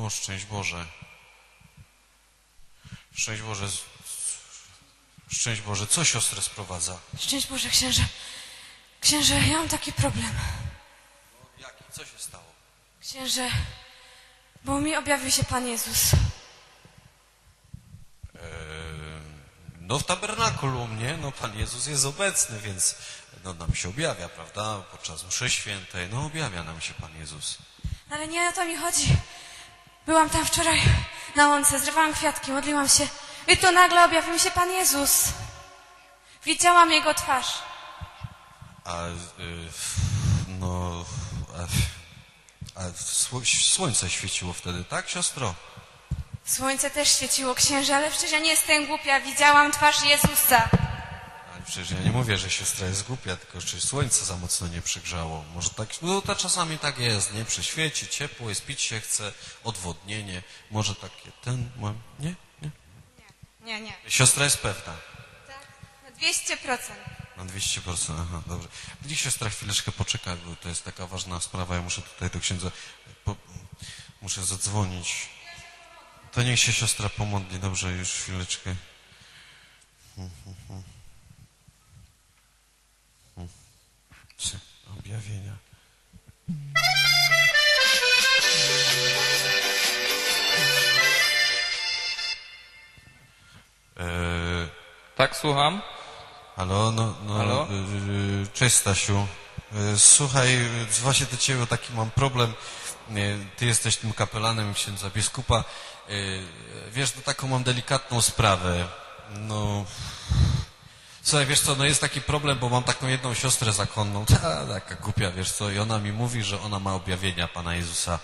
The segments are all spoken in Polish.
O, szczęść Boże. Szczęść Boże. Szczęść Boże. Co siostrę sprowadza? Szczęść Boże, księże. Księże, ja mam taki problem. No, jaki? Co się stało? Księże, bo mi objawił się Pan Jezus. No w tabernakulum, nie? No Pan Jezus jest obecny, więc no, nam się objawia, prawda? Podczas mszy świętej, no objawia nam się Pan Jezus. Ale nie o to mi chodzi. Byłam tam wczoraj na łące, zrywałam kwiatki, modliłam się. I tu nagle objawił mi się Pan Jezus. Widziałam Jego twarz. Słońce świeciło wtedy, tak, siostro? Słońce też świeciło, księże, ale przecież ja nie jestem głupia. Widziałam twarz Jezusa. Ale przecież ja nie mówię, że siostra jest głupia, tylko że słońce za mocno nie przygrzało. Może tak, no to czasami tak jest, nie? Przyświeci, ciepło jest, pić się chce, odwodnienie. Może takie, nie? Nie. Siostra jest pewna. Tak, na 200%. Na 200%, aha, dobrze. Niech siostra chwileczkę poczeka, bo to jest taka ważna sprawa. Ja muszę tutaj do księdza, muszę zadzwonić. To niech się siostra pomodli, dobrze, już chwileczkę. Objawienia. Tak, słucham. Halo, Halo? Cześć Stasiu. Słuchaj, właśnie do ciebie taki mam problem. Ty jesteś tym kapelanem księdza biskupa. Wiesz, no taką mam delikatną sprawę. No, słuchaj, wiesz co, no jest taki problem, bo mam taką jedną siostrę zakonną, taka głupia, wiesz co, i ona mi mówi, że ona ma objawienia Pana Jezusa.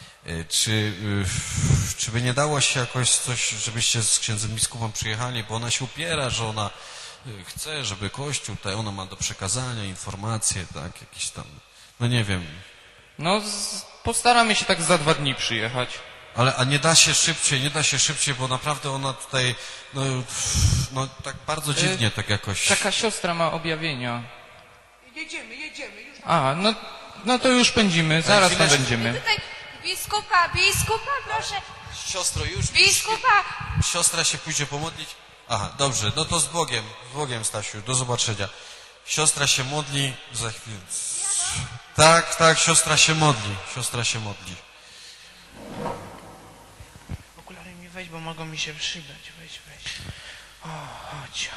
Czy by nie dało się jakoś coś, żebyście z księdzem biskupem przyjechali, bo ona się upiera, że ona chce, żeby Kościół, tutaj ona ma do przekazania informacje, tak, jakieś tam, no nie wiem. No, postaramy się tak za 2 dni przyjechać. A nie da się szybciej, bo naprawdę ona tutaj, no tak bardzo dziwnie tak jakoś. Taka siostra ma objawienia. Jedziemy, już. No to już pędzimy, zaraz tam będziemy. Tutaj biskupa, proszę. Siostro, już. Biskupa. Siostra się pójdzie pomodlić. Aha, dobrze, no to z Bogiem, Stasiu, do zobaczenia. Siostra się modli, za chwilę. Tak, siostra się modli. Okulary mi weź, bo mogą mi się przydać. Weź. O, chodź.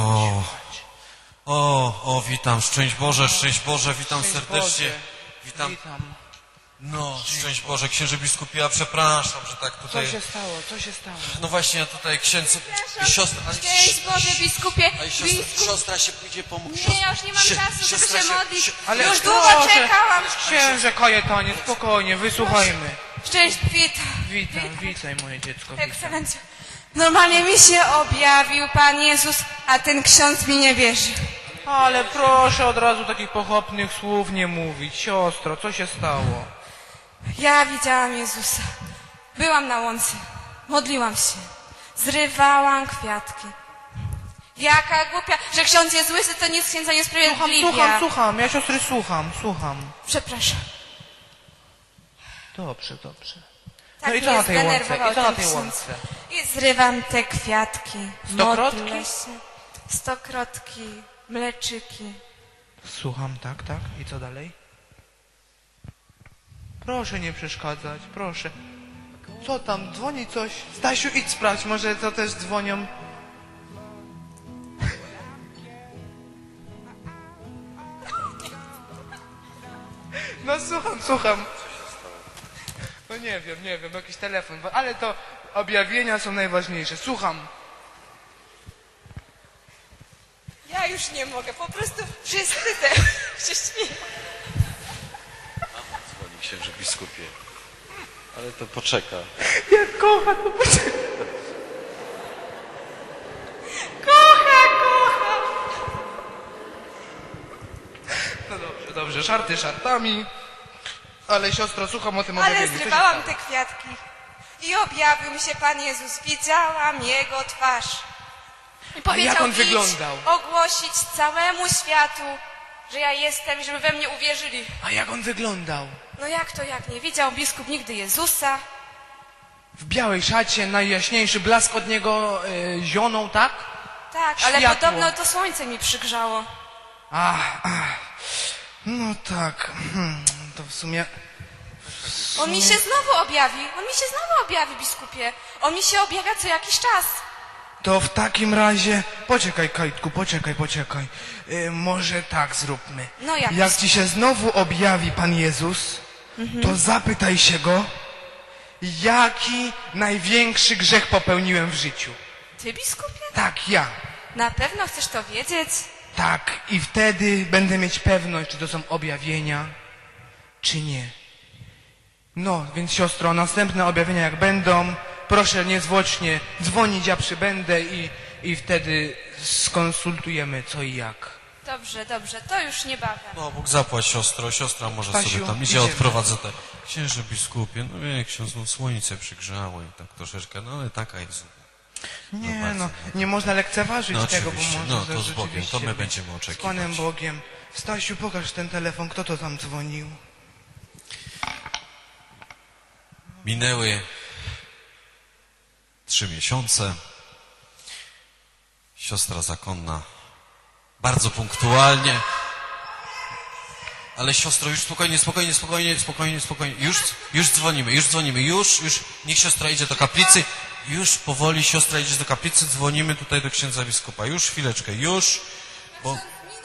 Witam, szczęść Boże, witam serdecznie. Witam. No, szczęść Boże, księże biskupie, ja przepraszam, że tak tutaj... Co się stało? No właśnie, ja tutaj księdzu... Siostra... Szczęść Boże, biskupie. Siostra się pójdzie pomóc. Nie, ja już nie mam czasu, żeby się modlić. Ale już długo czekałam. Księże Kajetonie, spokojnie, wysłuchajmy. Szczęść, Witaj moje dziecko. Ekscelencja. Normalnie mi się objawił Pan Jezus, a ten ksiądz mi nie wierzy. Ale proszę od razu takich pochopnych słów nie mówić. Siostro, co się stało? Ja widziałam Jezusa. Byłam na łące. Modliłam się. Zrywałam kwiatki. Jaka głupia, że ksiądz jest łysy, to nic księdza nie sprawiedliwia. Słucham. Ja siostry słucham. Przepraszam. Dobrze. Tak No i co na tej łące? zdenerwował ten ksiądz. I zrywam te kwiatki. Stokrotki? Modlę się. Stokrotki, mleczyki. Słucham, tak. I co dalej? Proszę nie przeszkadzać, proszę. Co tam, dzwoni coś? Stasiu, idź sprawdź, może to też dzwonią. No słucham. No nie wiem, jakiś telefon, ale to objawienia są najważniejsze. Słucham. Ja już nie mogę, po prostu wszyscy się śmieją. Dzwoni księże biskupie. Ale to poczeka. Jak kocha, to poczekaj. Kocha. No dobrze, żarty żartami. Ale siostro, słucham o tym Ale objawieniu. Co się zrywałam stało? te kwiatki i objawił mi się Pan Jezus. Widziałam Jego twarz. I powiedział, jak on idź wyglądał? ogłosić całemu światu, że ja jestem i żeby we mnie uwierzyli. A jak on wyglądał? No jak to, jak nie? Widział biskup nigdy Jezusa. w białej szacie, najjaśniejszy blask od niego zionął, tak? Tak, ale Światło. podobno to słońce mi przygrzało. No tak, to w sumie... On mi się znowu objawi, biskupie. On mi się objawia co jakiś czas. To w takim razie... Poczekaj, Kajtku, poczekaj. Może tak zróbmy. No jak? Jak ci się znowu objawi Pan Jezus, to zapytaj się Go, jaki największy grzech popełniłem w życiu. Ty, biskupie? Tak, ja. Na pewno chcesz to wiedzieć? Tak, i wtedy będę mieć pewność, czy to są objawienia, czy nie. No, więc siostro, następne objawienia jak będą, proszę niezwłocznie dzwonić, ja przybędę i wtedy skonsultujemy co i jak. Dobrze, to już niebawem. No, Bóg zapłać, siostro. Siostra może Stasiu, sobie tam idzie, idziemy. odprowadzę te... Księże biskupie, no wie, ksiądz, no słońce przygrzało i tak troszeczkę, no ale taka jest. Nie, bardzo, no, nie można lekceważyć No tego, bo oczywiście, może no to z Bogiem, rzeczywiście to my być będziemy z oczekiwać. Panem Bogiem. Stasiu, pokaż ten telefon, kto to tam dzwonił? Minęły 3 miesiące. Siostra zakonna bardzo punktualnie. Ale siostro, już spokojnie. Już dzwonimy. Już. Niech siostra idzie do kaplicy. Już powoli siostra idzie do kaplicy. Dzwonimy tutaj do księdza biskupa. Już chwileczkę, bo...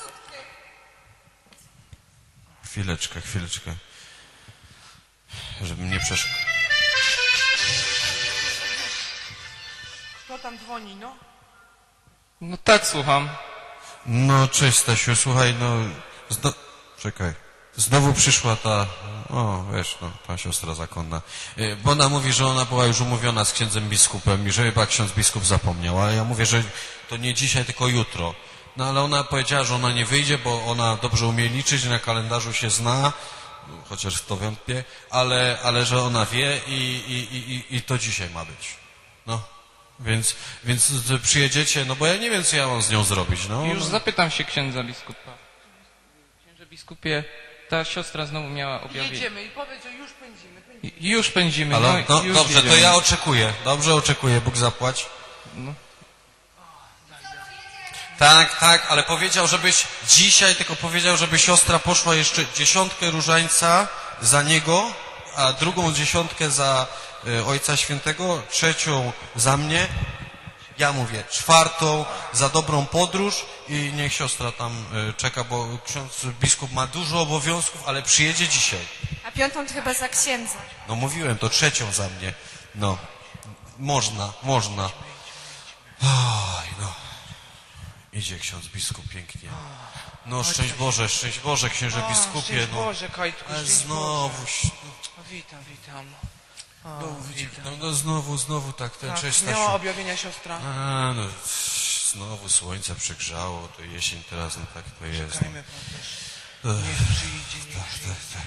Chwileczkę. Żeby mnie przeszkadzać. Kto tam dzwoni, no? No tak, słucham. No, cześć Stasiu, słuchaj, no... Czekaj. Znowu przyszła ta... O, wiesz, no, ta siostra zakonna. Bo ona mówi, że ona była już umówiona z księdzem biskupem i że chyba ksiądz biskup zapomniał. Ale ja mówię, że to nie dzisiaj, tylko jutro. No, ale ona powiedziała, że ona nie wyjdzie, bo ona dobrze umie liczyć, na kalendarzu się zna, chociaż w to wątpię, ale że ona wie i to dzisiaj ma być. No. Więc przyjedziecie, no bo ja nie wiem, co ja mam z nią zrobić, no. Już zapytam się księdza biskupa. Księże biskupie, ta siostra znowu miała objawienie. Jedziemy i powiedz, że już pędzimy. Już pędzimy. Ale, no już dobrze, to jedziemy. ja oczekuję. Dobrze oczekuję, Bóg zapłać. No. Tak, ale powiedział, żeby siostra poszła jeszcze 10 różańca za niego, a drugą 10 za Ojca Świętego, 3 za mnie, ja mówię 4 za dobrą podróż i niech siostra tam czeka, bo ksiądz biskup ma dużo obowiązków, ale przyjedzie dzisiaj. A 5 to chyba za księdza. No mówiłem, to 3 za mnie. No, można. Oj, no. Idzie ksiądz biskup pięknie. No, szczęść Boże, księże biskupie. Szczęść No, Boże, Kajtku, ale szczęść znowu, Boże. Witam. no znowu tak, ten Tak, cześć miała Stasiu. objawienia siostra. A, no, znowu słońce przegrzało, to jesień teraz, no tak to jest. Czekajmy, niech przyjdzie. Tak.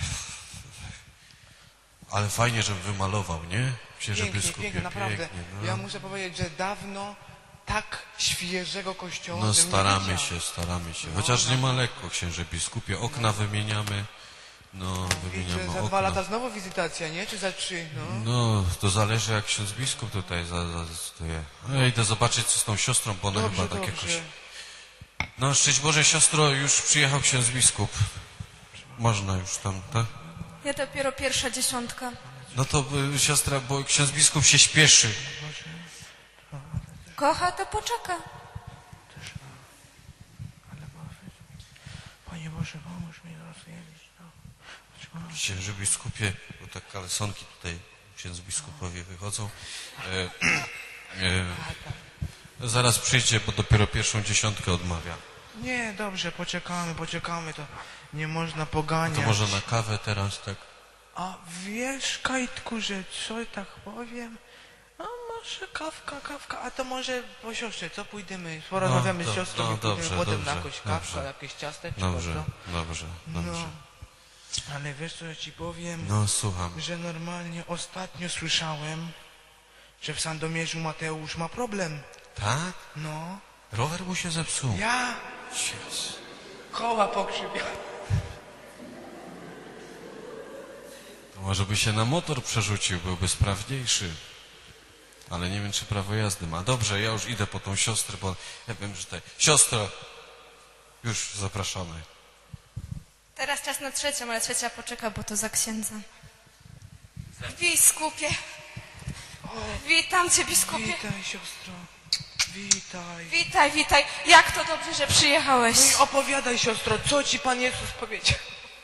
Ale fajnie, żebym wymalował, nie? Księże biskupie, Pięknie, naprawdę. pięknie, no. Ja muszę powiedzieć, że dawno tak świeżego kościoła No bym nie staramy widział. się. Chociaż nie ma lekko, księże biskupie. Okna wymieniamy. No, Widzę, wymieniamy za 2 okna. lata znowu wizytacja, nie? Czy za 3? No. No, to zależy jak ksiądz biskup tutaj zadecyduje. Ja idę zobaczyć co z tą siostrą, bo ona chyba tak jakoś... No, szczęść Boże, siostro, już przyjechał ksiądz biskup. Można już tam, tak? Ja dopiero pierwsza 10. No to siostra, bo ksiądz biskup się śpieszy. Kocha, to poczeka. Panie Boże, pomóż mi rozwiedzić to. Księże biskupie, bo tak kalesonki tutaj księdz biskupowie wychodzą. Zaraz przyjdzie, bo dopiero 1. 10 odmawia. Nie, dobrze, poczekamy, to nie można poganiać. To może na kawę teraz, tak? A wiesz, Kajtku, że co tak powiem? A może kawka, a to może po siostrze, co pójdziemy? Porozmawiamy z siostrą i pójdziemy dobrze, potem na dobrze, jakąś kawkę, dobrze. jakieś ciasteczko, Dobrze, co? dobrze. No, ale wiesz co ja ci powiem? No, słucham. Że normalnie ostatnio słyszałem, że w Sandomierzu Mateusz ma problem. Tak? No, Rower mu się zepsuł. ja Jezus. koła pokrzywiałem. To może by się na motor przerzucił, byłby sprawniejszy. ale nie wiem, czy prawo jazdy ma. Dobrze, ja już idę po tą siostrę, bo ja wiem, że tutaj... Siostro, już zapraszamy. Teraz czas na trzecią, ale trzecia poczeka, bo to za księdza. Biskupie. Witam cię, biskupie. Witaj, siostro. Witaj. Witaj, witaj. Jak to dobrze, że przyjechałeś. No i opowiadaj, siostro, co ci Pan Jezus powiedział?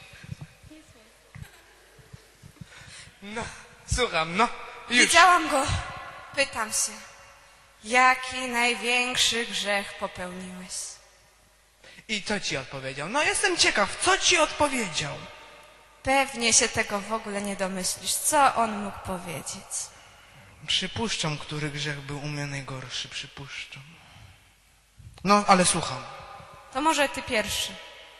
No, słucham, no. Już. Widziałam go. Pytam się, jaki największy grzech popełniłeś? I co ci odpowiedział? No jestem ciekaw, co ci odpowiedział? Pewnie się tego w ogóle nie domyślisz. Co on mógł powiedzieć? Przypuszczam, który grzech był u mnie najgorszy, przypuszczam. No, ale słucham. To może ty pierwszy.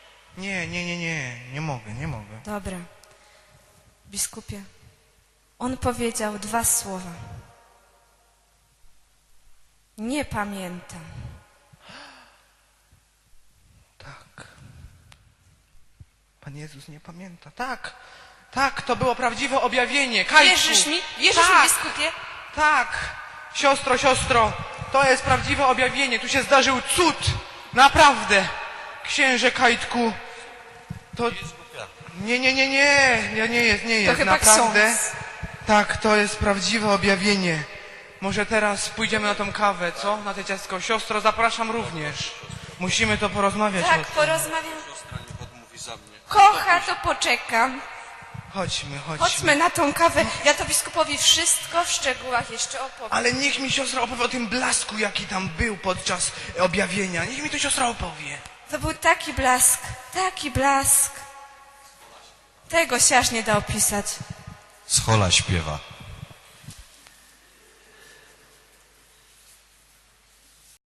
Nie mogę. Dobra. Biskupie, on powiedział 2 słowa. Nie pamiętam. Tak. Pan Jezus nie pamięta. Tak, to było prawdziwe objawienie. Kajku. Wierzysz mi? Wierzysz Tak. mi, biskupie? Tak, siostro, to jest prawdziwe objawienie. Tu się zdarzył cud. Naprawdę. Księże Kajtku, to... Nie jest, To chyba naprawdę. ksiądz. Tak, to jest prawdziwe objawienie. Może teraz pójdziemy na tą kawę, co? Na te ciastko. Siostro, zapraszam również. Musimy to porozmawiać o Tak, tym. porozmawiam. Siostra niech odmówi za mnie. Kocha, to poczekam. Chodźmy. Chodźmy na tą kawę. Ja to biskupowi wszystko w szczegółach jeszcze opowiem. Ale niech mi siostra opowie o tym blasku, jaki tam był podczas objawienia. Niech mi to siostra opowie. To był taki blask, taki blask. Tego się aż nie da opisać. Schola śpiewa.